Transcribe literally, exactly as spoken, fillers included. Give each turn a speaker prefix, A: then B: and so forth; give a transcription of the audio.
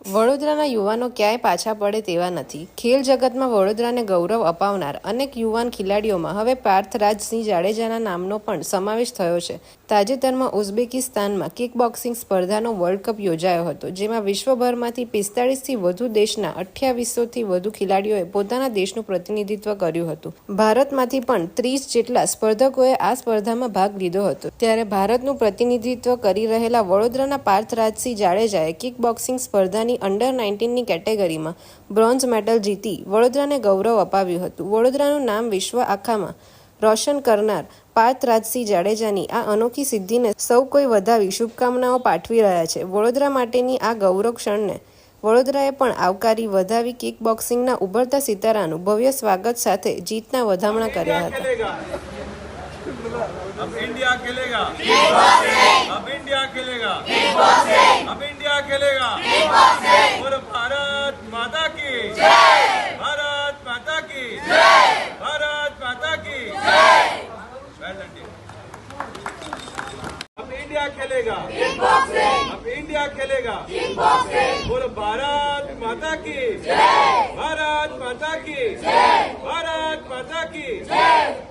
A: વડોદરાના યુવાનો ક્યાંય પાછા પડે તેવા નથી। ખેલ જગતમાં વડોદરાને ગૌરવ અપાવનાર અનેક યુવાન ખેલાડીઓમાં હવે પાર્થરાજસિંહ જાડેજાના નામનો પણ સમાવેશ થયો છે। તાજેતરમાં ઉઝબેકિસ્તાનમાં કિક બોક્સિંગ સ્પર્ધાનો વર્લ્ડ કપ યોજાયો હતો, જેમાં વિશ્વભરમાંથી પિસ્તાળીસથી વધુ દેશના અઠ્યાવીસોથી વધુ ખેલાડીઓએ પોતાના દેશનું પ્રતિનિધિત્વ કર્યું હતું। ભારતમાંથી પણ ત્રીસ જેટલા સ્પર્ધકોએ આ સ્પર્ધામાં ભાગ લીધો હતો। ત્યારે ભારતનું પ્રતિનિધિત્વ કરી રહેલા વડોદરાના પાર્થરાજસિંહ જાડેજાએ કિક બોક્સિંગ સ્પર્ધાની અંડર નાઇન્ટીનની કેટેગરીમાં બ્રોન્ઝ મેડલ જીતી વડોદરાને ગૌરવ અપાવ્યું હતું। વડોદરાનું નામ વિશ્વ આખામાં રોશન કરનાર પાર્થરાજસિંહ જાડેજાની આ અનોખી સિદ્ધિને સૌ કોઈ વધાવી શુભકામનાઓ પાઠવી રહ્યા છે। વડોદરા માટેની આ ગૌરવ ક્ષણને વડોદરાએ પણ આવકારી વધાવી કિક બોક્સિંગના ઉભરતા સિતારાનું ભવ્ય સ્વાગત સાથે જીતના વધામણા કર્યા હતા।
B: अब इंडिया खेलेगा किक बॉक्सिंग, अब इंडिया खेलेगा किक बॉक्सिंग, अब इंडिया खेलेगा किक बॉक्सिंग। और भारत माता की जय, भारत माता की जय, भारत माता की जय। अब इंडिया खेलेगा किक बॉक्सिंग, अब इंडिया खेलेगा किक बॉक्सिंग। और भारत माता की जय, भारत माता की जय, भारत माता की जय।